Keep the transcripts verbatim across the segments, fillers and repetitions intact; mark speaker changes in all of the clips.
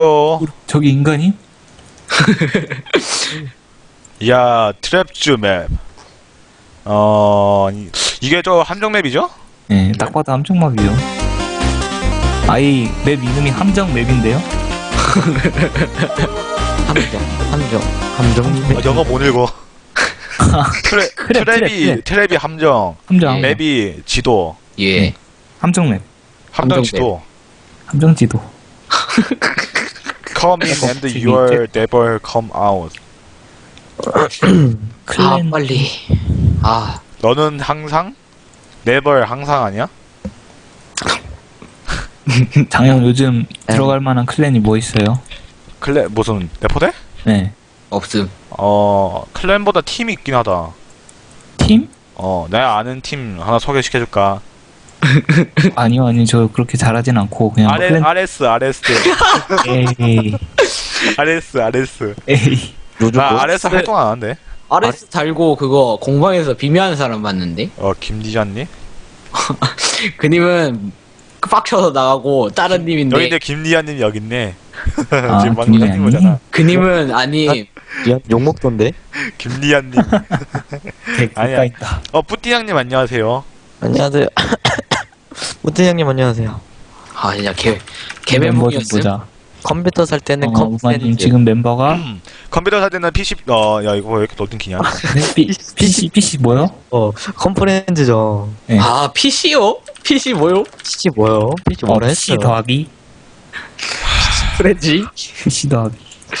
Speaker 1: 어,
Speaker 2: 저기 인간이?
Speaker 1: 야, 트랩즈 맵. 어, 이- 이게 저 함정 맵이죠?
Speaker 2: 네, 딱 봐도 함정맵이요. 아이 맵 이름이 함정 맵인데요?
Speaker 3: 함정, 함정, 함정.
Speaker 1: 아, 영어 못 읽어. 트레,
Speaker 2: 트랩,
Speaker 1: 트랩이,
Speaker 2: 트랩,
Speaker 1: 트랩이 함정.
Speaker 2: 함정
Speaker 3: 네.
Speaker 1: 맵이 지도.
Speaker 3: 예.
Speaker 2: 함정 맵,
Speaker 1: 함정
Speaker 3: 함정
Speaker 1: 지도.
Speaker 2: 함정 지도.
Speaker 1: Come in and
Speaker 2: 저기
Speaker 1: you are never come out.
Speaker 3: 아,
Speaker 2: 클랜
Speaker 3: 빨리. 아,
Speaker 1: 너는 항상? never 항상 아니야?
Speaker 2: 장영 요즘 들어갈 만한 클랜이 뭐 있어요?
Speaker 1: 클레, 무슨, 레포대?
Speaker 2: 네,
Speaker 3: 없음.
Speaker 1: 어, 클랜보다 팀이 있긴 하다.
Speaker 2: 팀?
Speaker 1: 어, 내가 아는 팀 하나 소개시켜줄까?
Speaker 2: 아니요, 아니 저 그렇게 잘하진 않고 그냥
Speaker 1: 아레,
Speaker 2: 클랜.
Speaker 1: 아레스, 아레스.
Speaker 2: 에이,
Speaker 1: 아레스, 아레스.
Speaker 2: 에이.
Speaker 3: 요즘
Speaker 1: 아,
Speaker 3: 뭐?
Speaker 1: 아레스 활동 안 하는데?
Speaker 4: 아레스 달고 그거 공방에서 비매하는 사람 봤는데
Speaker 1: 어, 김디자님?
Speaker 4: 그님은 빡쳐서 나가고 다른 님인데
Speaker 1: 여기 있네, 김리아님 여기 있네.
Speaker 2: 아,
Speaker 1: 지금 방금
Speaker 2: 김리아님?
Speaker 1: 님 거잖아.
Speaker 4: 그님은 아니
Speaker 3: 미안, 욕먹던데?
Speaker 1: 김리아님.
Speaker 2: 개
Speaker 1: 아니야.
Speaker 2: 가까 있다.
Speaker 1: 어, 뿌띠양님 안녕하세요.
Speaker 3: 안녕하세요. 무태 형님 안녕하세요.
Speaker 4: 아 진짜 개
Speaker 2: 멤버 좀
Speaker 4: 개멘붕이었음.
Speaker 2: 보자.
Speaker 3: 컴퓨터 살 때는
Speaker 2: 어,
Speaker 3: 컴퓨터
Speaker 2: 우마님 지금 멤버가
Speaker 1: 컴퓨터 살 때는 피씨, 어, 야, 이거 왜 이렇게 넓은 키냐?
Speaker 2: 네, 피, 피씨 피씨 뭐요?
Speaker 3: 어, 컴프렌즈죠.
Speaker 2: 네.
Speaker 4: 아 피씨요? 피씨 뭐요?
Speaker 3: 피치 뭐요? 피치
Speaker 2: 어,
Speaker 3: 뭐라
Speaker 2: 피씨
Speaker 3: 했어요?
Speaker 2: 더하기
Speaker 4: 프렌지?
Speaker 2: 피씨 더하기.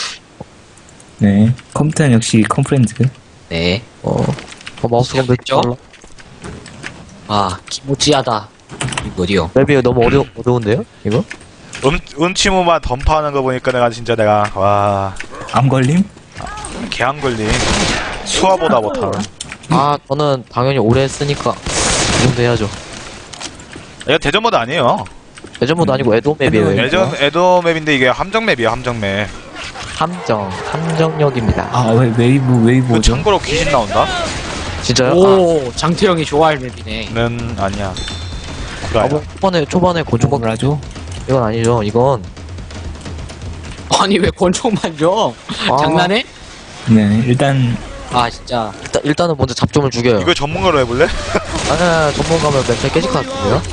Speaker 2: 네, 컴퓨터는 역시 컴프렌즈.
Speaker 4: 네.
Speaker 3: 어, 어 마우스가 몇
Speaker 4: 시작됐죠?
Speaker 3: 달라?
Speaker 4: 아 기모찌하다. 이거 어디요?
Speaker 3: 맵이 너무 어려, 어려운데요? 이거?
Speaker 1: 음, 음치무만 던파하는 거 보니까 내가 진짜 내가, 와,
Speaker 2: 암 걸림?
Speaker 1: 개안 걸림. 수화보다 못하네.
Speaker 3: 아, 저는 당연히 오래 했으니까 이 정도 해야죠.
Speaker 1: 이거 대전 모드 아니에요.
Speaker 3: 예전보다 아니고 에도 맵이에요.
Speaker 2: 네.
Speaker 1: 예전 에도 맵인데 이게 함정 맵이야, 함정 맵.
Speaker 3: 함정, 함정역입니다.
Speaker 2: 아, 왜 웨이브 웨이브
Speaker 1: 그
Speaker 2: 오죠?
Speaker 1: 참고로 귀신 나온다?
Speaker 3: 진짜요?
Speaker 4: 오 장태형이 좋아할 맵이네.
Speaker 1: 는 아니야.
Speaker 3: 아,
Speaker 1: 그거
Speaker 3: 아,
Speaker 1: 아니야.
Speaker 3: 뭐, 초반에, 초반에 곤충 막,
Speaker 2: 뭐라죠?
Speaker 3: 이건 아니죠. 이건.
Speaker 4: 아니 왜 권총만 줘?
Speaker 3: 아,
Speaker 4: 장난해?
Speaker 2: 네, 일단
Speaker 4: 아 진짜
Speaker 3: 일단, 일단은 먼저 잡점을 죽여요.
Speaker 1: 이거 전문가로 해볼래?
Speaker 3: 아니야, 전문가면 멘탈 깨질 것 같은데요?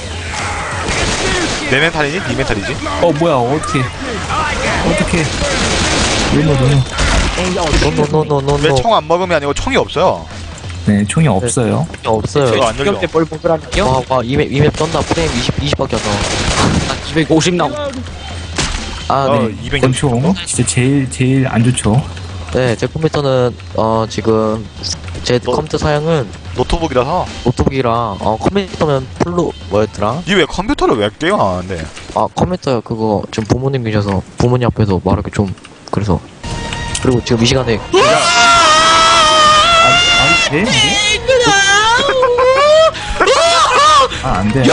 Speaker 1: 내 멘탈이니? 니 멘탈이지?
Speaker 2: 어 뭐야 어떻게 어떻게 노노 노노.
Speaker 3: 노노노노노노.
Speaker 1: 왜 총 안 먹으면 아니고 총이 없어요.
Speaker 2: 네, 총이 없어요.
Speaker 3: 없어요.
Speaker 1: 저거 안 열려.
Speaker 4: 시험 때 뻘뻘하니요?
Speaker 3: 와, 와, 이맵, 이맵 쩐다. 프레임 이십, 이십밖에 안 나와.
Speaker 4: 나 이백오십 나오.
Speaker 3: 아,
Speaker 1: 어,
Speaker 3: 네.
Speaker 1: 이백육십
Speaker 2: 권총
Speaker 1: 정도?
Speaker 2: 진짜 제일 제일 안 좋죠.
Speaker 3: 네, 제 컴퓨터는, 어, 지금, 제
Speaker 1: 너-
Speaker 3: 컴퓨터 사양은
Speaker 1: 노트북이라서.
Speaker 3: 노트북이랑, 어, 컴퓨터면 풀로, 뭐였더라?
Speaker 1: 니 왜 컴퓨터를 왜 게임 안 하는데?
Speaker 3: 아, 컴퓨터 그거, 지금 부모님 계셔서, 부모님 앞에서 말하기 좀, 그래서. 그리고 지금 이 시간에,
Speaker 2: 아니 돼? 이게? 아안 돼.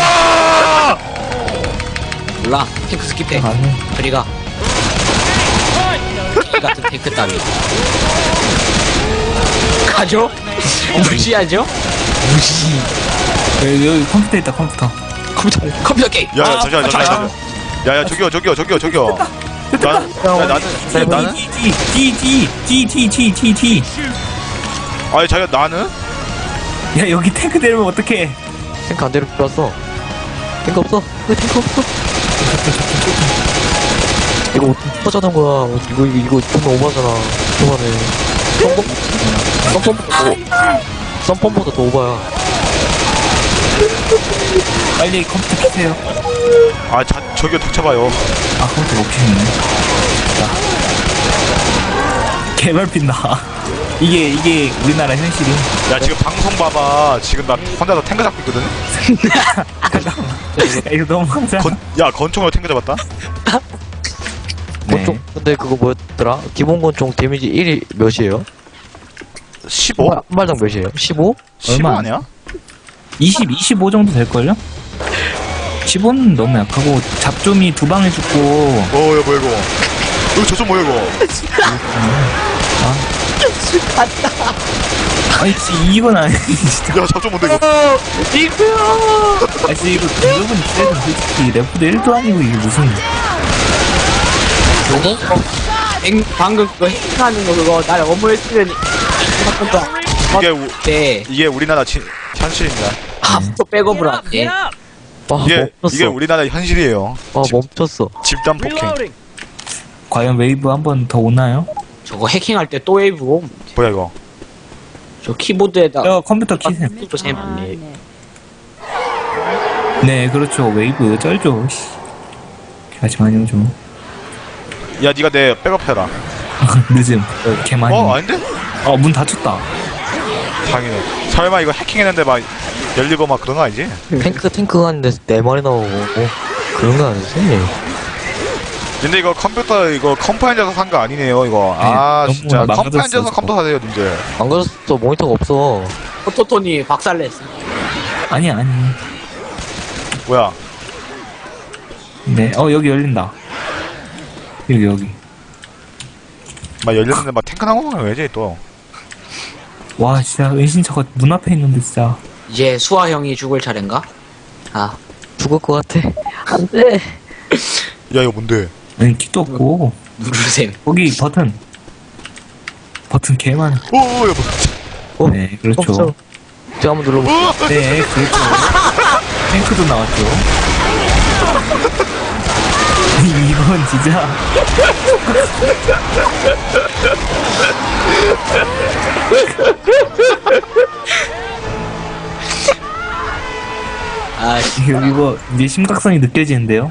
Speaker 4: 몰라 탱크 스킵해.
Speaker 2: 안 해.
Speaker 4: 그리가 이 같은 탱크 따위 가죠? 무시하죠? 무시.
Speaker 2: 여기, 여기 컴퓨터 있다 컴퓨터.
Speaker 4: 컴퓨터 컴퓨터 게임.
Speaker 1: 야, 야,
Speaker 4: 아,
Speaker 1: 잠시만,
Speaker 4: 아,
Speaker 1: 잠시만, 잠시만. 야, 야, 저기요, 저기요, 저기요, 저기요. 나, 야, 나는, 야, 나는?
Speaker 2: 디디디디디디디디.
Speaker 1: 아니, 자기가 나는?
Speaker 2: 야 여기 탱크 내리면 어떡해?
Speaker 3: 탱크 안 데려왔어. 탱크 없어. 왜 탱크 없어? 이거 어떻게 터져는 거야. 어, 이거, 이거, 이거 좀 오버잖아. 초반에. 썸펌, 썸펌보다 더, 썸펌보다 더 오버야.
Speaker 2: 빨리 컴퓨터 켜세요.
Speaker 1: 아, 자, 저기요, 닥쳐봐요.
Speaker 2: 아 컴퓨터 못 켜네. 개발핀 나. 이게 이게 우리나라 현실이.
Speaker 1: 야, 지금 방송 봐봐. 지금 나 혼자서 탱크 잡고 있거든?
Speaker 2: 야, 이거 너무 많잖아.
Speaker 1: 건, 야, 건총으로 탱크 잡았다?
Speaker 2: 네.
Speaker 3: 권총, 근데 그거 뭐였더라? 기본 권총 데미지 일이 몇이에요?
Speaker 1: 십오?
Speaker 3: 한 발당 몇이에요? 십오?
Speaker 1: 십오
Speaker 2: 얼마?
Speaker 1: 아니야?
Speaker 2: 이십, 이십오 정도 될걸요? 십오는 너무 약하고 잡좀이 두 방에 죽고.
Speaker 1: 어, 야, 뭐야, 이거. 이거 저좀 뭐야, 이거.
Speaker 2: 아니 진짜 이건 아니 진짜.
Speaker 1: 야, 잡좀 뭔데, 이거.
Speaker 2: 아니 진짜 이거 여러분 있어도 솔직히 레프도 일도 아니고 이게 무슨
Speaker 4: 행, 방금 그거 행하는 거 그거 날 어머했으면
Speaker 1: 이게 우,
Speaker 4: 네.
Speaker 1: 이게 우리나라 지, 현실입니다.
Speaker 4: 합도 백업을 하네.
Speaker 3: 와,
Speaker 1: 이게
Speaker 3: 멈췄어.
Speaker 1: 이게 우리나라 현실이에요.
Speaker 3: 와, 멈췄어.
Speaker 1: 집단 폭행.
Speaker 2: 과연 웨이브 한 번 더 오나요?
Speaker 4: 저거 해킹할 때 또 웨이브 옴.
Speaker 1: 뭐야 이거?
Speaker 4: 저 키보드에다
Speaker 2: 저 컴퓨터 키세요.
Speaker 4: 또 재밌네.
Speaker 2: 네, 그렇죠. 웨이브 쩔죠. 씨. 같이 많이 오죠.
Speaker 1: 야 네가 내 백업해라.
Speaker 2: 늦음. 개 많이.
Speaker 1: 어 아닌데?
Speaker 2: 어, 문 닫혔다.
Speaker 1: 당연히. 설마 이거 해킹했는데 막 열리고 막 그런 거 아니지?
Speaker 3: 탱크, 탱크 하는데 네 마리 나오고, 뭐, 그런 거 아니지?
Speaker 1: 근데 이거 컴퓨터 이거 컴파인저에서 산 거 아니네요 이거.
Speaker 2: 네,
Speaker 1: 아
Speaker 2: 너무
Speaker 1: 진짜
Speaker 2: 망가졌어,
Speaker 1: 컴파인저에서
Speaker 2: 저거.
Speaker 1: 컴퓨터 사세요 님들.
Speaker 3: 안 그래서 모니터가 없어.
Speaker 4: 포토톤이 박살냈어.
Speaker 2: 아니, 아니.
Speaker 1: 뭐야?
Speaker 2: 네, 어, 여기 열린다. 여기, 여기.
Speaker 1: 막 열렸는데 막 탱크 나오는 거 왜지 또?
Speaker 2: 와, 진짜 은신처가 문 앞에 있는데, 진짜.
Speaker 4: 이제 수아 형이 죽을 차례인가? 아,
Speaker 3: 죽을 것 같아. 안 돼.
Speaker 1: 야 이거 뭔데?
Speaker 2: 아니, 킥도 없고.
Speaker 4: 누르셈.
Speaker 2: 거기 버튼. 버튼 개 많아.
Speaker 1: 오오야 뭐?
Speaker 3: 어,
Speaker 2: 네, 그렇죠.
Speaker 3: 없어. 제가 한번 눌러볼게요.
Speaker 2: 네, 그렇죠. 탱크도 나왔죠. 이건 진짜.
Speaker 4: 아,
Speaker 2: 이거, 이거 이제 심각성이 느껴지는데요?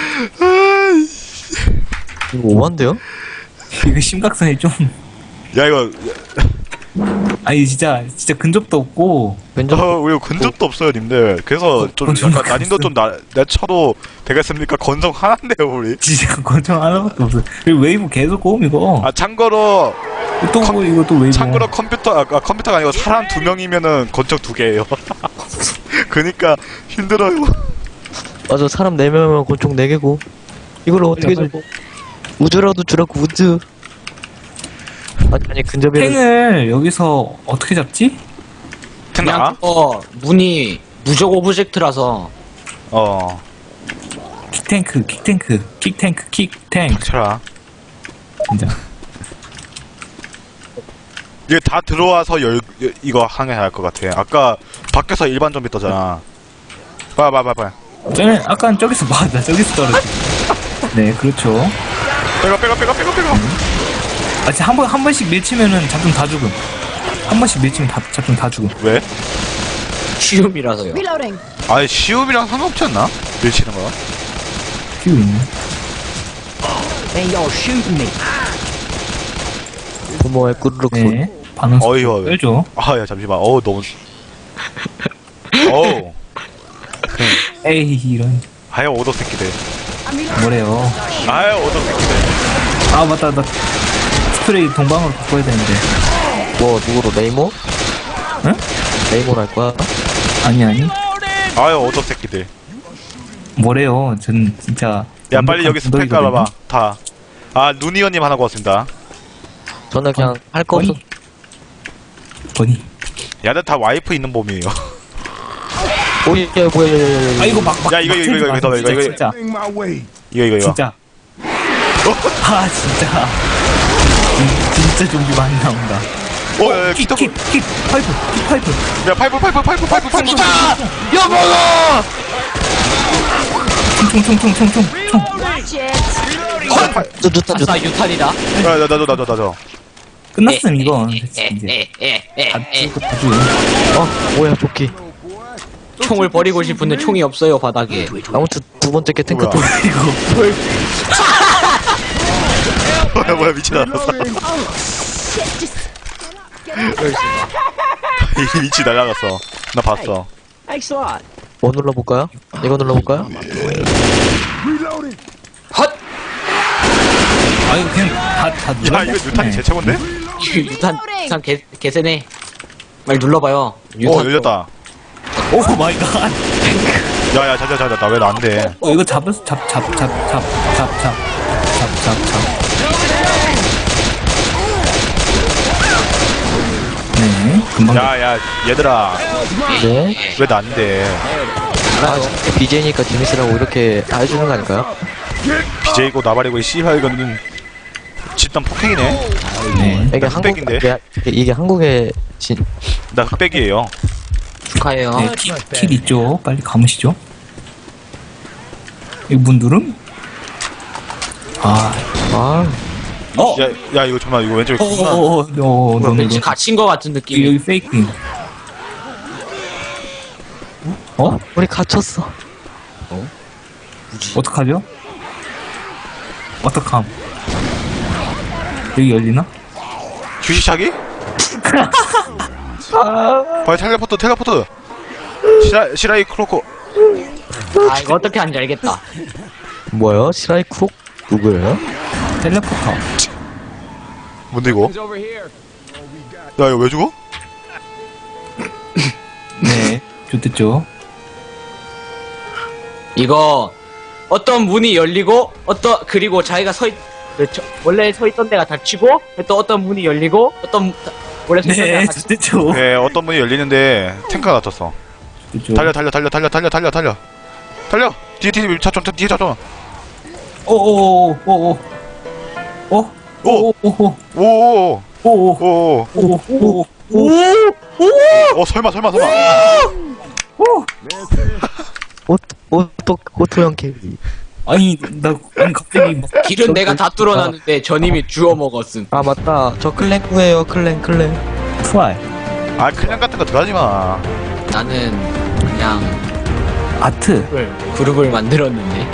Speaker 3: 이거 오반데요?
Speaker 2: 이거 심각성이 좀.
Speaker 1: 야 이거
Speaker 2: 아니, 진짜, 진짜 근접도 없고.
Speaker 3: 왼쪽,
Speaker 1: 어, 우리 근접도 없어요 님들. 그래서 좀
Speaker 2: 건성
Speaker 1: 약간 난이도 좀 나, 내쳐도 되겠습니까? 건성 하나인데요 우리.
Speaker 2: 진짜 권총 하나밖에 없어. 그리고 웨이브 계속 옴, 이거.
Speaker 1: 아 참고로
Speaker 2: 또 뭐, 이거 또 웨이브.
Speaker 1: 참고로 컴퓨터 아, 아 컴퓨터가 아니고 사람 두 명이면은 건적 두 개예요. 그니까 힘들어요.
Speaker 3: 맞아, 사람 네 명이면 권총 네 개고. 이걸 어떻게
Speaker 2: 빨리,
Speaker 3: 줘? 우주라도 주라고, 우주. 아니, 아니, 근접이라.
Speaker 2: 탱을 여기서 어떻게 잡지?
Speaker 1: 됐나?
Speaker 4: 그냥 어 문이 무적 오브젝트라서
Speaker 1: 어.
Speaker 2: 킥탱크, 킥탱크, 킥탱크, 킥탱크.
Speaker 1: 쳐라.
Speaker 2: 진짜.
Speaker 1: 이게 다 들어와서 열 여- 이거 항해해야 할 것 같아. 아까 밖에서 일반 좀비 떠잖아. 봐, 봐, 봐, 봐.
Speaker 2: 저는 아까 저기서 맞아, 저기서 떨어지. 네, 그렇죠.
Speaker 1: 빼가, 빼가, 빼가, 빼가, 빼가.
Speaker 2: 아, 진짜 한 번, 한 번씩 밀치면은 잡좀 다 죽음. 한 번씩 밀치면 다, 잡좀 다 죽음.
Speaker 1: 왜?
Speaker 4: 쉬움이라서요.
Speaker 5: Reloading.
Speaker 1: 아니 시움이랑 상관없지 않나? 밀치는 거.
Speaker 2: 큐 있네.
Speaker 3: 부모의 꾸르륵 소리.
Speaker 2: 네. 반응
Speaker 1: 어이,
Speaker 2: 속도
Speaker 1: 어이.
Speaker 2: 빼죠.
Speaker 1: 아, 야 잠시만. 어우 너무. 어우.
Speaker 2: 에이, 이런.
Speaker 1: 아유 오덕 새끼들.
Speaker 2: 뭐래요.
Speaker 1: 아유 오덕 새끼들.
Speaker 2: 아, 맞다, 나 스프레이 동방으로 바꿔야 되는데.
Speaker 3: 뭐, 누구로, 네이모?
Speaker 2: 응?
Speaker 3: 네이모로 할 거야?
Speaker 2: 아니, 아니.
Speaker 1: 아유 오덕 새끼들.
Speaker 2: 뭐래요. 전 진짜.
Speaker 1: 야 빨리 여기 스펙
Speaker 2: 언덕이거든요.
Speaker 1: 깔아봐. 다. 아 누니언님 하나 구웠습니다.
Speaker 3: 저는 그냥 할 거 없어.
Speaker 2: 버니.
Speaker 1: 야들 다 와이프 있는 몸이에요.
Speaker 3: 오, 야, 야, 뭐야, 야, 야, 야, 야.
Speaker 2: 아, 이거 막, 막.
Speaker 1: 야, 이거,
Speaker 2: 막
Speaker 1: 이거, 이거,
Speaker 2: 튀지
Speaker 1: 이거,
Speaker 2: 마,
Speaker 1: 이거, 이거,
Speaker 2: 진짜,
Speaker 1: 이거 이거 이거.
Speaker 2: 진짜. 아, 진짜. 음, 진짜 좀비 많이 나온다.
Speaker 1: 어, 야, 야,
Speaker 2: 킥,
Speaker 1: 키토.
Speaker 2: 킥, 킥, 파이프, 킥, 파이프.
Speaker 1: 야 파이프 파이프 파이프 파이프 파이프.
Speaker 3: 야, 뭐야!
Speaker 2: 총, 총, 총, 총, 총, 총.
Speaker 5: Watch it.
Speaker 3: 저, 좋다, 좋다.
Speaker 4: 아싸 유탄이다.
Speaker 1: 야 나도 나도 나도 나도.
Speaker 2: 끝났음, 이건. 이제.
Speaker 4: 에에에에에
Speaker 2: 다 죽고 다 죽어.
Speaker 3: 어, 뭐야, 조끼.
Speaker 4: 총을 버리고 싶은데 총이 없어요 바닥에.
Speaker 3: 아무튼 두 번째 게 탱크
Speaker 1: 뭐야?
Speaker 3: 또.
Speaker 1: 뭐야 뭐야 미친 날았어.
Speaker 5: Shit, just
Speaker 1: 이 미치 날라갔어. 나 봤어.
Speaker 3: 뭐 눌러볼까요? 이거 눌러볼까요?
Speaker 4: 헛.
Speaker 2: 아, 이거 그냥 다, 다
Speaker 1: 야
Speaker 2: 눌러.
Speaker 1: 이거 유탄이 제 최고인데?
Speaker 4: 유탄 유탄 개 개세네. 빨리 눌러봐요. 유탄
Speaker 1: 오 열렸다.
Speaker 2: 오 마이 갓.
Speaker 1: 야야 자자 자자 나 왜 나 안 돼?
Speaker 2: 어, 이거 잡았어. 잡, 잡, 잡, 잡, 잡, 잡, 잡, 잡, 잡. 네, 금방.
Speaker 1: 야야 얘들아
Speaker 3: 네.
Speaker 1: 왜 나 안 돼?
Speaker 3: 아, 비제이니까 재밌으라고 이렇게 다 해주는 거 아닐까요?
Speaker 1: 비제이고 나발이고 이 씨발 이거는 일단 폭행이네.
Speaker 2: 네.
Speaker 3: 이게
Speaker 1: 나
Speaker 3: 한국
Speaker 1: 흑백인데?
Speaker 3: 이게, 이게 한국의 진
Speaker 1: 나 흑백이에요.
Speaker 4: 축하해요.
Speaker 2: 네, 팁, 팁 있죠. 빨리 감으시죠. 이거 문 누름? 아,
Speaker 3: 아,
Speaker 2: 어?
Speaker 1: 야, 야 이거 정말 이거 왼쪽에
Speaker 2: 어,
Speaker 1: 있구나.
Speaker 2: 어, 어, 어, 어, 너네
Speaker 4: 왠지
Speaker 2: 이거.
Speaker 4: 갇힌 거 같은 느낌.
Speaker 2: 여기 페이크. 어?
Speaker 3: 우리 갇혔어.
Speaker 2: 어떡하죠? 어떡함? 여기 열리나?
Speaker 1: 주시차기? 빨리 텔레포트 텔레포트. 시라 시라이 크로코.
Speaker 4: 아, 이거 어떻게 하는지 알겠다.
Speaker 3: 뭐야? 시라이 쿡 누구예요?
Speaker 2: 텔레포터.
Speaker 1: 뭔데 이거? 야 이거 왜 죽어?
Speaker 2: 네, 좋댔죠.
Speaker 4: 이거 어떤 문이 열리고 어떤 그리고 자기가 서 있, 그, 저, 원래 서 있던 데가 닫히고 또 어떤 문이 열리고 어떤 원래 서 있던
Speaker 2: 네,
Speaker 4: 데가 닫히고
Speaker 2: 좋댔죠.
Speaker 1: 네 어떤 문이 열리는데 탱크가 갇혔어.
Speaker 2: 좋댔죠.
Speaker 1: 달려 달려 달려 달려 달려 달려 달려 달려. 뒤에 뒤에 차좀 뒤에 차좀.
Speaker 2: 오오오오오. 오?
Speaker 1: 오!
Speaker 2: 오오오오.
Speaker 1: 오오오
Speaker 2: 오오.
Speaker 1: 오오.
Speaker 2: 오오.
Speaker 1: 어 설마 설마 설마.
Speaker 3: 옷, 옷도, 오토형 캐리.
Speaker 2: 아니, 나, 아니, 갑자기 막.
Speaker 4: 길은 내가 다 뚫어놨는데 저님이 주워 먹었음.
Speaker 3: 아, 맞다. 저 클랭 구해요, 클랭, 클랭.
Speaker 2: 트와이.
Speaker 1: 아 그냥 같은 거 들어가지 마.
Speaker 4: 나는 그냥
Speaker 2: 아트.
Speaker 4: 그룹을, 그룹을 만들었는데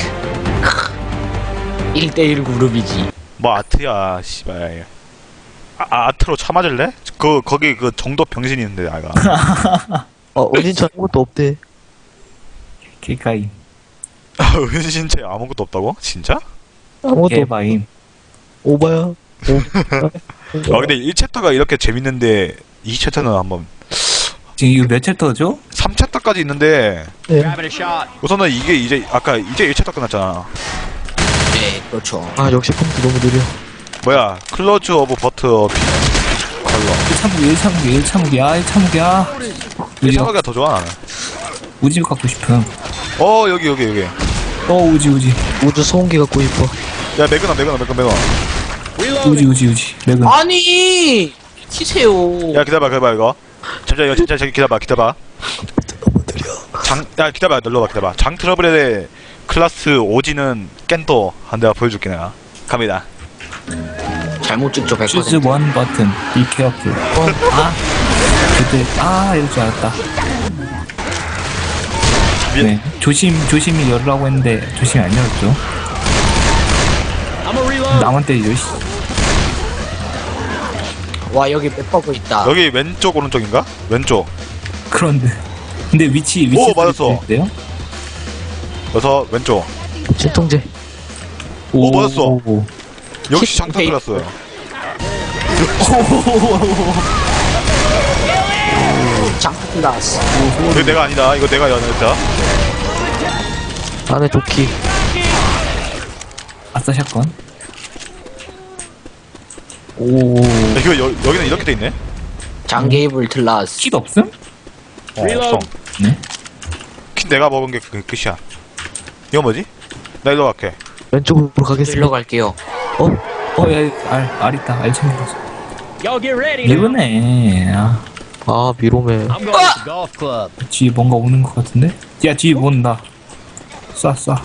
Speaker 4: 일 대일 그룹이지.
Speaker 1: 뭐 아트야 씨발. 아, 아 아트로 차 맞을래? 그 거기 그 정도 병신이 있는데 아가.
Speaker 3: 어, 어딘 저 아무것도 없대.
Speaker 2: 개까이.
Speaker 1: 은신체 아무것도 없다고? 진짜?
Speaker 3: 아무것도 없
Speaker 2: 개바임.
Speaker 3: 오바야. 오.
Speaker 1: 아 근데 일 챕터가 이렇게 재밌는데 이 챕터는 한번
Speaker 2: 지금 이거 몇 챕터죠?
Speaker 1: 삼 챕터까지 있는데
Speaker 3: 네.
Speaker 1: 우선은 이게 이제 아까 이제 일 챕터 끝났잖아.
Speaker 4: 네, 그렇죠.
Speaker 3: 아, 역시 컴퓨터 너무 느려.
Speaker 1: 뭐야 클로즈 오브 버터 비 컬러.
Speaker 2: 일 참기, 일 참기, 일 참기야, 일 참기야.
Speaker 1: 이
Speaker 2: 우지,
Speaker 1: 생각이 더 좋아 나는.
Speaker 2: 우지 갖고 싶음.
Speaker 1: 어 여기 여기 여기.
Speaker 2: 어, 우지, 우지.
Speaker 3: 우주 소음기 갖고 싶어.
Speaker 1: 야 매그넘 매그넘 매그넘 매그넘.
Speaker 2: 우지, 우지, 우지. 맥은.
Speaker 4: 아니 키세요.
Speaker 1: 야 기다려봐 기다려봐 이거. 잠시만 이거 진짜 저기 기다려봐 기다려봐. 장야 기다려봐 눌러봐 기다려봐. 장 트러블의 클라스 오지는 깬또 한 대가 보여줄게 내가. 갑니다.
Speaker 4: 잘못 찍죠 백
Speaker 2: Choose
Speaker 4: 퍼센트.
Speaker 2: one button. Be careful. 어, 아. 그때, 아, 이럴 줄 알았다.
Speaker 1: 미-
Speaker 2: 네. 조심, 조심히 열으라고 했는데, 조심히 안 열었죠. 나만 때리죠, 씨.
Speaker 4: 와 여기 맥버그 있다.
Speaker 1: 여기 왼쪽 오른쪽인가? 왼쪽.
Speaker 2: 그런데. 근데 위치, 위치.
Speaker 1: 오, 맞았어.
Speaker 2: 어때요?
Speaker 1: 여기서 왼쪽.
Speaker 3: 진통제.
Speaker 1: 오, 맞았어.
Speaker 2: 오.
Speaker 1: 역시 장타
Speaker 4: 헤이.
Speaker 1: 클라스요.
Speaker 4: 장크 클라스.
Speaker 1: 이거 내가 아니다. 이거 내가 연했다.
Speaker 3: 안에 조끼.
Speaker 2: 아싸, 샷건. 오.
Speaker 1: 야, 이거 여, 여기는 이렇게 돼 있네.
Speaker 4: 장게이블 클라스.
Speaker 2: 킷 없음?
Speaker 1: 어, 없어.
Speaker 2: 네.
Speaker 1: 키 내가 먹은 게 그 끝이야. 이거 뭐지? 나 일로 갈게.
Speaker 3: 왼쪽으로 가겠습니다.
Speaker 4: 일로 갈게요.
Speaker 3: 어?
Speaker 2: 어, 야, 알, 알 있다. 알 챙겨가서. 이거네. 아,
Speaker 3: 아, 미로메.
Speaker 2: 뒤에 뭔가 오는 것 같은데? 야, 뒤에 뭐 온다. 쏴, 쏴.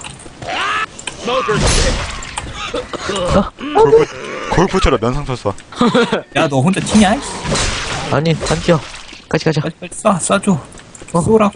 Speaker 1: 골프, 골프처럼 면상 쳤어.
Speaker 2: 야, 너 혼자 튀냐?
Speaker 3: 아니, 안 뛰어. 같이 가자.
Speaker 2: 빨리, 빨리 쏴, 쏴줘. 쏘라.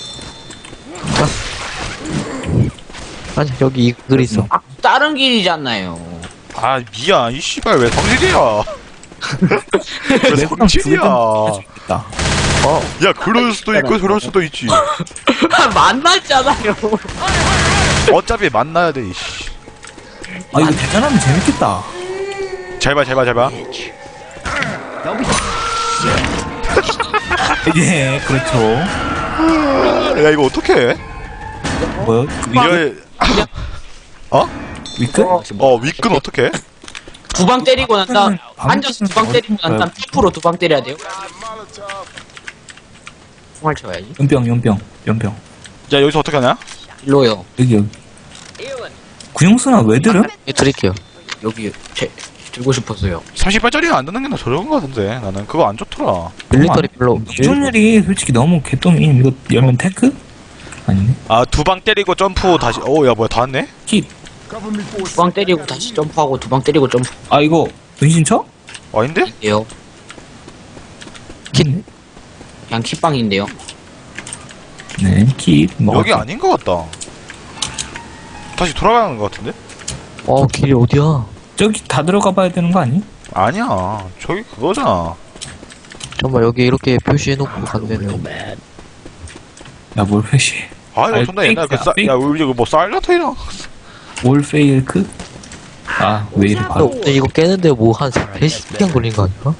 Speaker 3: 아니, 여기 이 글이 있어.
Speaker 4: 아, 다른 길이잖아요.
Speaker 1: 아, 미안. 이 씨발 왜 성질이야? 왜
Speaker 2: 내가
Speaker 1: 성질이야?
Speaker 2: 할수 있다.
Speaker 3: 어,
Speaker 1: 야, 그럴 수도 있고 저럴 수도 있지.
Speaker 4: 만났잖아요.
Speaker 1: 어차피 만나야 돼, 이씨.
Speaker 2: 아, 이거 대전하면 재밌겠다.
Speaker 1: 잘 봐, 잘 봐, 잘 봐.
Speaker 2: 예, 그렇죠.
Speaker 1: 야, 이거 어떡해?
Speaker 2: 뭐요?
Speaker 1: 이거, 어?
Speaker 2: 위크?
Speaker 1: 어, 윗근 어떡해?
Speaker 4: 두 방 때리고 난 다음
Speaker 2: 방-
Speaker 4: 앉아서 두 방 때리고 난 다음 탭으로 두 방 때려야 돼요. 총알 쳐야지.
Speaker 2: 연병, 연병, 연병.
Speaker 1: 야, 여기서 어떻게 하냐?
Speaker 4: 일로요.
Speaker 2: 여기, 여기. 구용수나 왜 들음?
Speaker 3: 예, 드릴게요.
Speaker 4: 여기 제 들고 싶었어요.
Speaker 1: 삼십 발짜리는 안 듣는 게 나 저런 거 같은데. 나는 그거 안 좋더라.
Speaker 3: 밀리터리 별로.
Speaker 2: 기존율이 솔직히 너무 개똥이. 이거 열면 테크? 아니네.
Speaker 1: 아, 두 방 때리고 점프 다시, 오, 야, 뭐야, 다 왔네?
Speaker 2: 킷.
Speaker 4: 두 방 때리고 다시 점프하고 두 방 때리고 점프인데요.
Speaker 2: 아, 이거 은신처?
Speaker 1: 아닌데?
Speaker 2: 킷.
Speaker 4: 그냥 kit방인데요.
Speaker 2: 네, 킷. 뭐
Speaker 1: 여기 아닌 것 같다. 다시 돌아가는 것 같은데?
Speaker 3: 어, 길이 어디야?
Speaker 2: 저기 다 들어가 봐야 되는 거 아니?
Speaker 1: 아니야. 저기 그거잖아.
Speaker 3: 잠깐만, 여기 이렇게 표시해놓고 간대네.
Speaker 2: 야, 뭘 표시.
Speaker 1: 아, 이거
Speaker 2: 아니,
Speaker 1: 존나 옛날 그
Speaker 2: 페이크야,
Speaker 1: 싸,
Speaker 2: 페이크.
Speaker 1: 야, 우리 이거 뭐 사일러트이랑.
Speaker 2: 올 페일크? 아, 왜 이래
Speaker 3: 어,
Speaker 2: 바로.
Speaker 3: 근데 이거 깨는데 뭐 한 세 시간 걸린 거 아니야?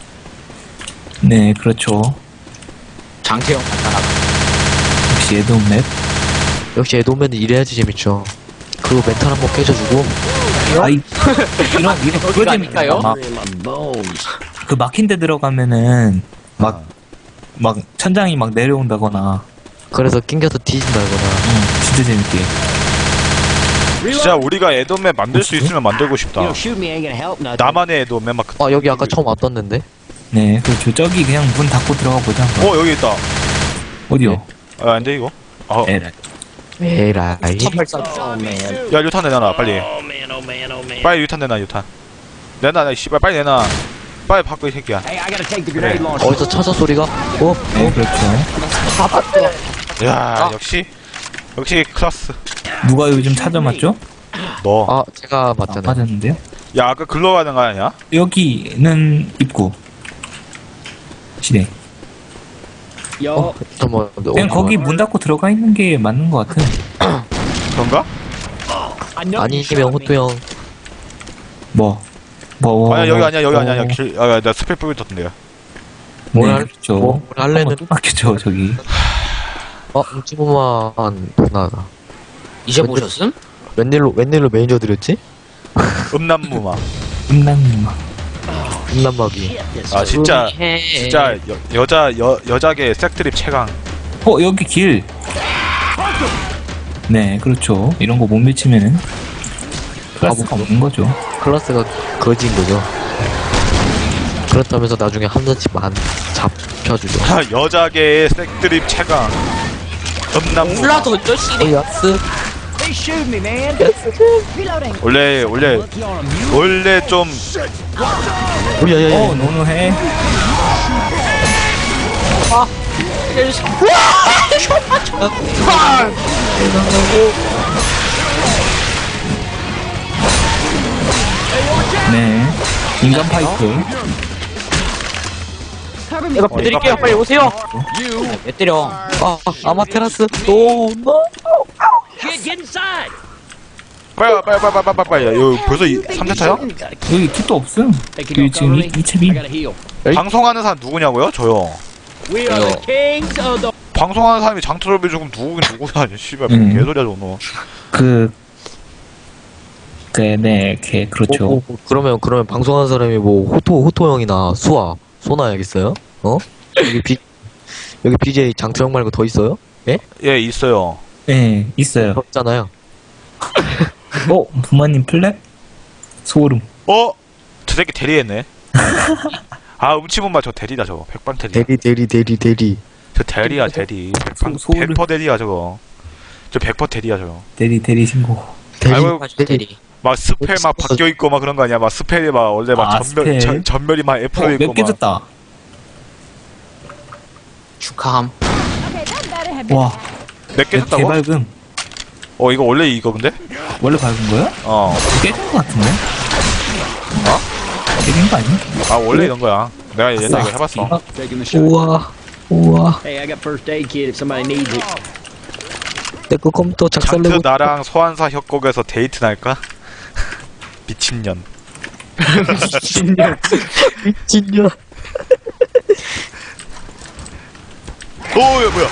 Speaker 2: 네, 그렇죠.
Speaker 4: 장태형 간단하다.
Speaker 2: 역시 에드온 맵.
Speaker 3: 역시 에도맨은 이래야지 재밌죠. 그리고 멘탈 한번 깨져주고.
Speaker 2: 아이, 이런, 이런, 그거
Speaker 4: 어디가
Speaker 2: 재밌다.
Speaker 4: 아닐까요?
Speaker 2: 막, 그 막힌 데 들어가면은, 막,
Speaker 1: 아.
Speaker 2: 막, 천장이 막 내려온다거나,
Speaker 3: 그래서 낑겨서 뒤진다거나.
Speaker 2: 응, 진짜 재밌게.
Speaker 1: 진짜 우리가 에도맨 만들 수 있으면 만들고 싶다.
Speaker 6: shoot me ain't gonna help nothing.
Speaker 1: 나만의 에도맨 막. 그-
Speaker 3: 아, 여기 아까 처음 왔었는데?
Speaker 2: 네, 그렇죠. 저기 그냥 문 닫고 들어가 보자.
Speaker 1: 어, 여기 있다.
Speaker 2: 어디요?
Speaker 1: 아, 안 돼, 이거? 아,
Speaker 2: 에라이.
Speaker 3: 에라이.
Speaker 4: 천팔사.
Speaker 6: Oh man.
Speaker 1: 야, 유탄 내놔라, 빨리.
Speaker 6: Oh man, oh man, oh man.
Speaker 1: 빨리 유탄 내놔, 유탄. 내놔, 나, 씨발, 빨리 내놔. 빨리 바꿔, 이 새끼야.
Speaker 6: Hey, I gotta take the grenade launcher.
Speaker 3: 어디서 찾아 소리가? 어?
Speaker 2: 네, 그렇죠.
Speaker 1: 야, 역시. 역시 클라스.
Speaker 2: 누가 요즘 찾아맞죠?
Speaker 1: 너.
Speaker 3: 아, 제가
Speaker 2: 아,
Speaker 3: 맞잖아요.
Speaker 2: 맞았는데요?
Speaker 1: 야, 아까 글로 가는 거 아니야?
Speaker 2: 여기는 입구. 진행.
Speaker 6: Yo,
Speaker 3: 어, 잠깐만.
Speaker 2: 그냥 거기 문 닫고 들어가 있는 게 맞는 것 같은.
Speaker 1: 그런가?
Speaker 6: I know you
Speaker 3: 아니면
Speaker 6: shot me.
Speaker 3: 호토 형.
Speaker 2: 뭐. 뭐.
Speaker 1: 아니야, 여기 아니야, 여기 아니야, 아니야.
Speaker 2: 뭐,
Speaker 1: 길, 아, 나 스펠 뿌리 떴던데요.
Speaker 3: 뭘
Speaker 2: 네,
Speaker 3: 할-
Speaker 2: 그렇죠.
Speaker 3: 뭐, 뭘 할래는-
Speaker 2: 한번 또 바뀌었죠, 저기.
Speaker 3: 어, 뭉치보만 나다.
Speaker 4: 이제 보셨음?
Speaker 3: 웬일로, 웬일로 매니저 드렸지?
Speaker 1: 음란무마.
Speaker 2: 음란마.
Speaker 3: 음란마귀.
Speaker 1: 아, 진짜.
Speaker 4: 해.
Speaker 1: 진짜, 여, 여자, 여, 여자계 색드립 최강.
Speaker 2: 어, 여기 길. 네, 그렇죠. 이런 거 못 미치면은 클래스가 없는 거죠.
Speaker 3: 클라스가 거지인 거죠. 그렇다면서 나중에 한 잔씩만 잡혀주죠.
Speaker 1: 여자계의 색드립 최강. 음란무마.
Speaker 4: 몰라 던져 씨네.
Speaker 3: 어, 야스?
Speaker 6: They shoot me, man.
Speaker 5: Reloading.
Speaker 1: 원래, 원래,
Speaker 6: Lucky on 'em. You
Speaker 1: 원래 좀,
Speaker 3: 오, 야, 야, 야.
Speaker 2: 어, 노노해. 네. 인간 파이프.
Speaker 5: Cover me.
Speaker 4: 내가 드릴게요. 빨리 오세요. 왜 때려?
Speaker 3: 아, 아마테라스. 노, 노.
Speaker 6: Kid, get inside.
Speaker 1: 빨리, 와, 빨리, 빨리, 빨리, 빨리, 빨리. 여기 벌써 삼 차차야?
Speaker 2: 여기 kit도 없음.
Speaker 6: Hey, can
Speaker 2: 그
Speaker 6: you
Speaker 2: 지금
Speaker 6: cover
Speaker 2: 이,
Speaker 6: me?
Speaker 2: 이 챕이.
Speaker 6: I gotta heal.
Speaker 1: 방송하는 사람 누구냐고요? 저요.
Speaker 6: We are the kings of the.
Speaker 1: 방송하는 사람이 장트럽이 조금 누구긴 누구야. 씨발,
Speaker 2: 음.
Speaker 1: 개소리야, 저거.
Speaker 2: 그, 그, 네, 걔, 그렇죠.
Speaker 3: 어, 어, 그러면, 그러면 방송하는 사람이 뭐, 호토, 호토 형이나 수아, 소나야겠어요? 어? 여기 비, 여기 비제이 장투 형 말고 더 있어요?
Speaker 1: 예, 있어요.
Speaker 2: 네, 있어요.
Speaker 3: 없잖아요.
Speaker 2: 어, 부모님 플랩? 소름.
Speaker 1: 어? 저 새끼 대리했네. 아, 음치분말 저 대리다, 저거. 백반 대리.
Speaker 3: 대리, 대리, 대리, 대리.
Speaker 1: 저 대리야, 대리. 백반,
Speaker 2: 소- 소를-
Speaker 1: 백 퍼센트 대리야, 저거. 저 백 퍼센트 대리야, 저거.
Speaker 2: 대리, 대리 신고.
Speaker 3: 대리,
Speaker 1: 아이고,
Speaker 4: 대리.
Speaker 1: 막 스펠 막 바뀌어있고 막 그런 거 아니야? 막 스펠이 막 원래 막
Speaker 2: 아,
Speaker 1: 전멸,
Speaker 2: 스펠?
Speaker 1: 전, 전멸이 막
Speaker 2: 어,
Speaker 1: F로 있고
Speaker 2: 몇 개
Speaker 1: 막.
Speaker 2: 줬다.
Speaker 4: 축하함.
Speaker 5: Okay, that better have been.
Speaker 2: 와,
Speaker 1: 몇 개 줬다고?
Speaker 2: 개발금.
Speaker 1: 어, 이거 원래 이거 근데?
Speaker 2: 원래 밝은 거야?
Speaker 1: 어.
Speaker 2: 깨진 거 같은데? 어? 깨진 거 아니야?
Speaker 1: 아, 원래 이런 거야. 내가 옛날에 이거 해봤어.
Speaker 2: 이거-
Speaker 6: Taking the shot.
Speaker 3: 우와, 우와.
Speaker 6: Hey, I got first aid kit if somebody needs it.
Speaker 3: 내거 컴퓨터
Speaker 1: 장트
Speaker 3: 작살내고.
Speaker 1: 나랑 소환사 협곡에서 데이트 날까? 미친년.
Speaker 3: 미친년.
Speaker 1: 오, 야, 뭐야?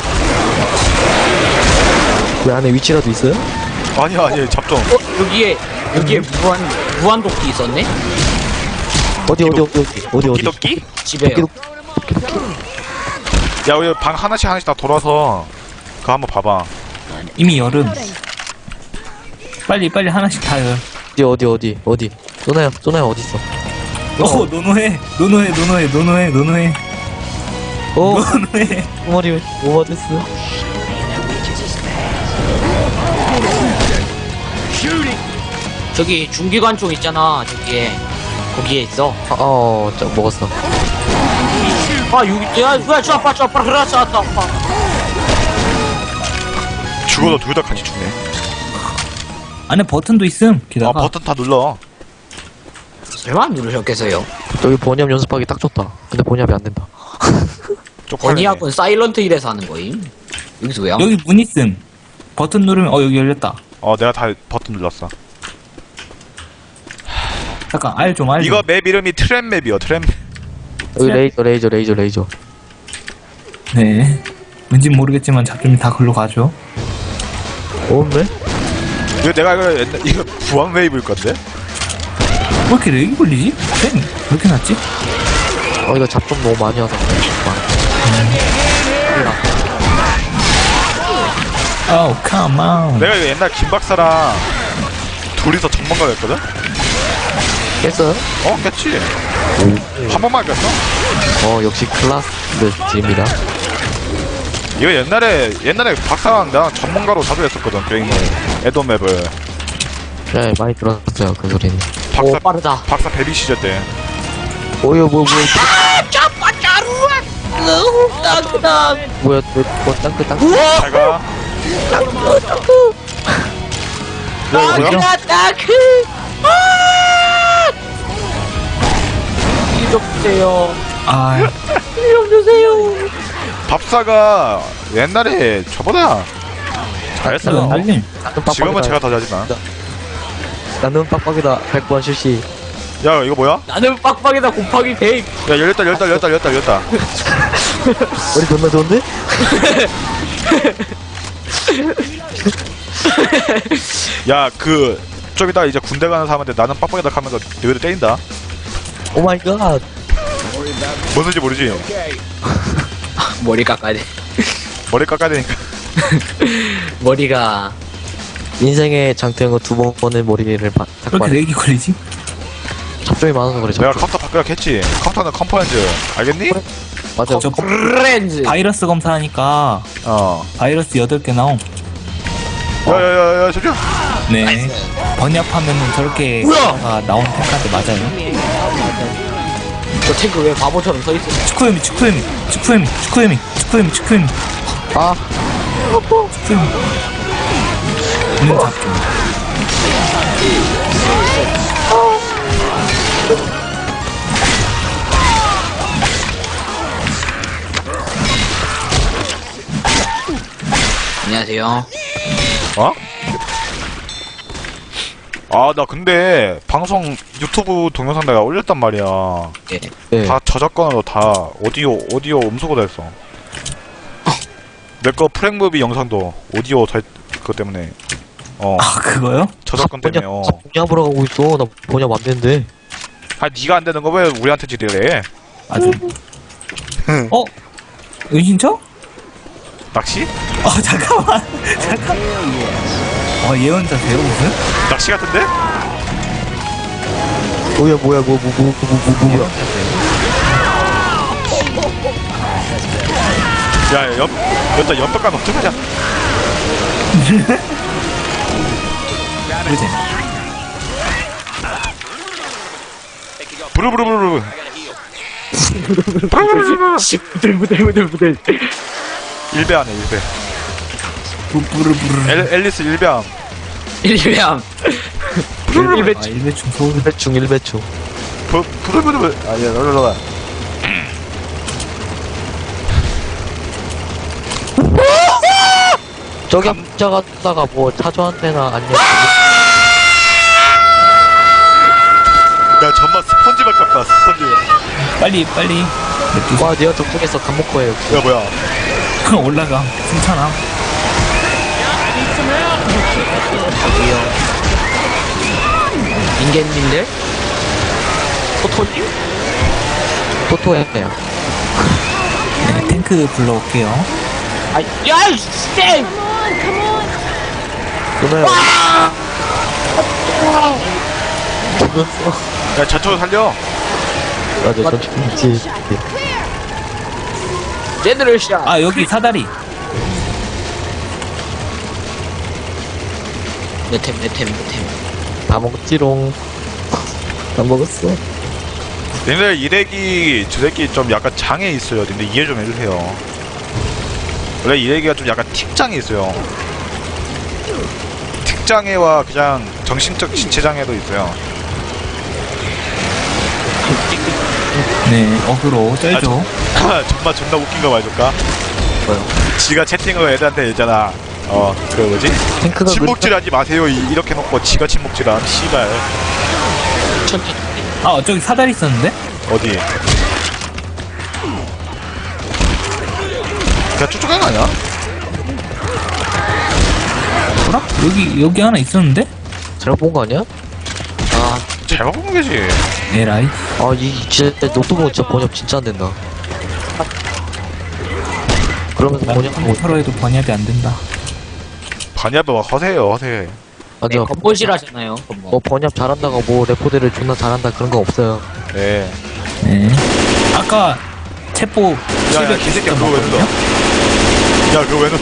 Speaker 3: 왜 안에 위치라도 있어요?
Speaker 1: 아니야, 아니야, 잡종.
Speaker 4: 어 여기에 여기에 무한 무한 도끼 있었네.
Speaker 3: 어디, 어디, 어디, 어디, 어디, 어디.
Speaker 1: 도끼도끼?
Speaker 4: 집에요.
Speaker 3: 도끼-
Speaker 1: 야, 우리 방 하나씩 하나씩 다 돌아서 그거 한번 봐봐.
Speaker 2: 이미 여름.
Speaker 5: Reloading.
Speaker 2: 빨리, 빨리 하나씩 다 열.
Speaker 3: 어디, 어디, 어디, 어디. 소나야, 소나야 어딨어?
Speaker 2: 어, 노노해, 노노해, 노노해, 노노해, 노노해,
Speaker 3: 어,
Speaker 2: 노노해.
Speaker 3: 두 마리 오버됐어.
Speaker 4: 저기 중기관총 있잖아. 저기에 거기에 있어.
Speaker 3: 아, 어, 저 먹었어.
Speaker 4: 아 여기 야 뭐야 저 아빠 저 아빠 그래 저 아빠.
Speaker 1: 죽어도 둘 다 같이 죽네.
Speaker 2: 안에 버튼도 있음.
Speaker 1: 아,
Speaker 2: 게다가
Speaker 1: 버튼 다 눌러.
Speaker 4: 설마 안 누르셨겠어요?
Speaker 3: 저기 번역 연습하기 딱 좋다. 근데 번역이 안 된다.
Speaker 1: 쪽팔리네.
Speaker 4: 건의학은 사일런트 힐에서 하는 거임. 여기서 왜요?
Speaker 2: 여기 문 있음. 버튼 누르면 어 여기 열렸다.
Speaker 1: 어, 내가 다 버튼 눌렀어.
Speaker 2: 잠깐 알 좀 알 좀.
Speaker 1: 이거 맵 이름이 트랩 맵이요, 트랩 맵.
Speaker 3: 여기 레이저, 레이저, 레이저, 레이저.
Speaker 2: 네. 왠지 모르겠지만 잡점이 다 글로 가죠.
Speaker 3: 없네?
Speaker 1: 이거 내가 이거 옛날, 이거 부왕 웨이브일 건데?
Speaker 2: 왜 이렇게 렉이 걸리지? 쌤, 왜 이렇게 났지?
Speaker 3: 어, 이거 잡점 너무 많이 와서.
Speaker 2: Oh, come on.
Speaker 1: 내가 이거 옛날 김 박사랑 둘이서 전문가 였거든?
Speaker 3: 깼어요?
Speaker 1: 어, 깼지? 한 번만 깼어?
Speaker 3: 어, 역시 클라스 G입니다.
Speaker 1: 이거 옛날에, 옛날에 박사랑 나랑 전문가로 자주 했었거든, 게임을. 에더 맵을.
Speaker 3: 네, 많이 들었어요, 그 소리는.
Speaker 1: 박사,
Speaker 4: 오 빠르다.
Speaker 1: 박사 베비 시절 때.
Speaker 3: 어, 이거 뭐, 뭐,
Speaker 4: 짜빠 짜루아. 너무 따뜻한.
Speaker 3: 뭐야, 뭐, 뭐, 땅크, 땅크.
Speaker 1: 잘 가. 야, 이거 뭐야?
Speaker 4: 따크다 따크. 이좀 주세요.
Speaker 2: 아,
Speaker 4: 좀 주세요.
Speaker 1: 밥사가 옛날에 저보다 잘했어.
Speaker 2: 알림.
Speaker 3: 나는
Speaker 1: 지금은
Speaker 3: 빡빡이다.
Speaker 1: 제가 더 잘하지만.
Speaker 3: 나는 빡빡이다. 백 번 실시.
Speaker 1: 야, 이거 뭐야?
Speaker 4: 나는 빡빡이다 곱하기 백.
Speaker 1: 야, 열렸다, 열렸다, 열렸다, 열렸다, 열렸다.
Speaker 3: 머리 존나 좋은데?
Speaker 1: 야, 그, 좀 이따 이제 군대 가는 사람한테 나는 빡빡이다 하면서 너희들 때린다.
Speaker 3: 오 마이 갓.
Speaker 1: 뭔 소리인지 모르지?
Speaker 4: 머리 깎아야 돼.
Speaker 1: 머리 깎아야 되니까.
Speaker 4: 머리가
Speaker 3: 인생의 장태형은 두 번의 머리를 바,
Speaker 2: 왜 이렇게
Speaker 3: 삭발.
Speaker 2: 렉이 걸리지?
Speaker 3: 잡종이 많아서 그래,
Speaker 1: 내가
Speaker 3: 잡종.
Speaker 1: 컴퓨터 바꾸라 했지. 컴퓨터는 컴포넌트. 알겠니?
Speaker 3: 맞아.
Speaker 2: 저
Speaker 4: 프렌즈.
Speaker 2: 바이러스 검사하니까
Speaker 1: 어.
Speaker 2: 바이러스 여덟 개 나옴.
Speaker 1: 야, 야, 야, 야, 저기요.
Speaker 2: 네. 번역하면은 저렇게
Speaker 4: 뭐야?
Speaker 2: 가 나온 탱크한테 맞아요.
Speaker 4: 저 탱크 왜 바보처럼 서 있어?
Speaker 2: 축구회미, 축구회미, 축구회미, 축구회미, 축구회미, 축구회미,
Speaker 3: 아,
Speaker 2: 축구회미. 있는 잡점.
Speaker 4: 안녕하세요.
Speaker 1: 어? 아, 나 근데 방송 유튜브 동영상 내가 올렸단 말이야.
Speaker 4: 예.
Speaker 3: 네.
Speaker 1: 다 저작권으로 다 오디오 오디오 음소거 됐어. 내 거 프랭무비 영상도 오디오 잘 그것 때문에 어
Speaker 2: 아, 그거요?
Speaker 1: 저작권 때문에 어.
Speaker 3: 번역으로 가고 있어. 나 번역 안 되는데.
Speaker 1: 아, 네가 안 되는 거 왜 우리한테 지대래?
Speaker 2: 아주. 어? 은신처?
Speaker 1: 낚시?
Speaker 2: 어, 잠깐만. 잠깐. 어, 예언자세요, 무슨?
Speaker 1: 낚시 같은데?
Speaker 3: 뭐야, 뭐야, 뭐, 뭐, 뭐, 뭐, 뭐, 뭐, 뭐야.
Speaker 1: 야, 옆 여기다 옆벽간 어떡하자.
Speaker 2: 그러지.
Speaker 1: 부르부르부르.
Speaker 4: 부들부들부들부들.
Speaker 1: 일배 안에 일배.
Speaker 2: 부르부르.
Speaker 1: 엘, 앨리스 일배함.
Speaker 4: 일배함. 일배.
Speaker 2: 아, 일배충 서울.
Speaker 3: 일배충, 일배충.
Speaker 1: 부 부르부르부. 아, 야, 널널널.
Speaker 3: 저기 혼자 갔다가 뭐 차주한테나 아니면
Speaker 1: 야, 정말 스펀지밥 같다. 스펀지.
Speaker 2: 빨리, 빨리.
Speaker 3: 와 내가 저쪽에서 감목거예요.
Speaker 1: 야, 뭐야?
Speaker 2: 올라가. 승천함.
Speaker 4: 인간님들? 포토님?
Speaker 3: 토토야.
Speaker 2: 네, 탱크 불러올게요.
Speaker 4: 아, 야, 이 씨!
Speaker 3: 누나야. 죽었어.
Speaker 1: 야, 전초로 살려.
Speaker 3: 맞아, 전 죽었지.
Speaker 4: 제드르샷.
Speaker 2: 아, 여기 사다리.
Speaker 4: 내템 내템 내템.
Speaker 3: 다 먹지롱. 다 먹었어.
Speaker 1: 님들 이래기 저 새끼 좀 약간 장애 있어요. 님들 이해 좀 해주세요. 원래 이래기가 좀 약간 틱장애 있어요. 틱장애와 그냥 정신적 신체장애도 있어요.
Speaker 2: 네, 어그로 쩔죠.
Speaker 1: 정말 존나 웃긴 거 말해줄까?
Speaker 3: 뭐요?
Speaker 1: 지가 채팅을 애들한테 했잖아. 어, 그 뭐지?
Speaker 3: 탱크가
Speaker 1: 침묵질 하지 마세요. 이- 이렇게 놓고 지가 침묵질함. 씨발.
Speaker 2: 아, 저기 사다리 있었는데?
Speaker 1: 어디? 그냥 쫓아간 거 아니야?
Speaker 2: 뭐라? 여기, 여기 하나 있었는데?
Speaker 3: 잘못 본 거 아니야?
Speaker 4: 아
Speaker 1: 잘 바꾼 거지.
Speaker 2: 에라이.
Speaker 3: 아, 이 진짜 노트북은 진짜 번역 진짜 안 된다. 그러면서 번역하고
Speaker 2: 나는 서로 해도 번역이 안 된다.
Speaker 1: 반야도 막 허세요, 허세.
Speaker 3: 맞아.
Speaker 4: 네, 건보실하잖아요. 건보.
Speaker 3: 뭐 번역 잘한다가 뭐 레포대를 존나 잘한다 그런 거 없어요.
Speaker 1: 네.
Speaker 2: 네. 아까 체포
Speaker 1: 야, 야, 이 새끼야, 그거 왜 눌러? 야, 그거 왜 눌러?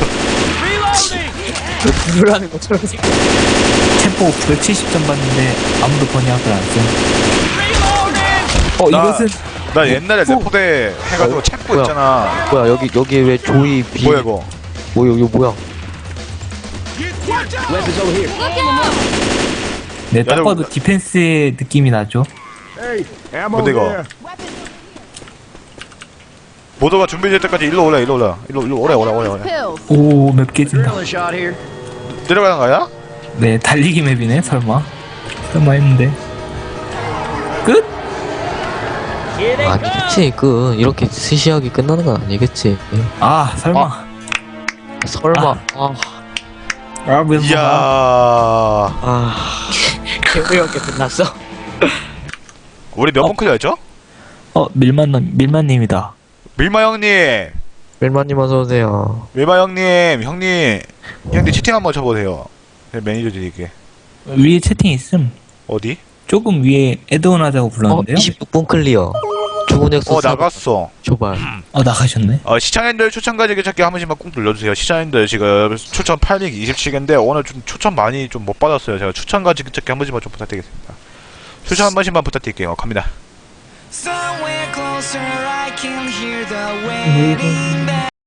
Speaker 4: 누르라는 것처럼 지금.
Speaker 2: 체포 백칠십 점 받는데 아무도 번역을 안 써. 어,
Speaker 1: 나-
Speaker 2: 이것은
Speaker 1: 나 옛날에
Speaker 2: 어?
Speaker 1: 레포대 해가지고 체포
Speaker 3: 뭐야?
Speaker 1: 있잖아.
Speaker 3: 뭐야, 여기, 여기 왜 조이 비.
Speaker 1: 뭐야, 이거?
Speaker 3: 뭐, 여기 뭐야?
Speaker 6: Weapons over here.
Speaker 2: 네, 딱
Speaker 1: 야,
Speaker 2: 봐도
Speaker 1: 저-
Speaker 2: 디펜스의 느낌이 나죠.
Speaker 1: 뭔데, 이거? 모두가 준비될 때까지 일로 오라, 일로 오라. 일로, 일로 오래, 오래, 오래, 오래.
Speaker 5: Pills.
Speaker 2: 오, 맵 깨진다.
Speaker 6: Another shot here.
Speaker 1: 내려가는 거야?
Speaker 2: 네, 달리기 맵이네, 설마. 설마 했는데. 끝?
Speaker 6: Here they come.
Speaker 3: 아니겠지, 그, 이렇게 스시하게 끝나는 건 아니겠지.
Speaker 2: 아, 설마.
Speaker 3: 설마, 아,
Speaker 2: 아, 왜
Speaker 1: 이야.
Speaker 3: 아,
Speaker 4: 개우형게 끝났어.
Speaker 1: 우리 몇 번 클리어했죠?
Speaker 2: 어, 밀만, 밀만님이다.
Speaker 1: 밀마 형님!
Speaker 3: 멜마님 어서오세요.
Speaker 1: 밀마 형님! 형님! 형님 채팅 한번 쳐보세요. 제가 매니저 드릴게.
Speaker 2: 위에 채팅 있음.
Speaker 1: 어디?
Speaker 2: 조금 위에 애드온 하자고
Speaker 3: 어,
Speaker 2: 불렀는데요?
Speaker 3: 이십육 분 클리어. 죽은 엑소
Speaker 1: 어, 나갔어.
Speaker 3: 조발.
Speaker 2: 어, 나가셨네.
Speaker 1: 어, 시청자님들 추천 가지기 찾기 한 번씩만 꾹 눌러주세요. 시청자님들 지금 추천 팔백이십칠 개인데 오늘 좀 추천 많이 좀 못 받았어요. 제가 추천 가지기 찾기 한 번씩만 좀 부탁드리겠습니다. 추천 한 번씩만 부탁드릴게요. 갑니다.
Speaker 7: Somewhere closer I can hear the wedding bell.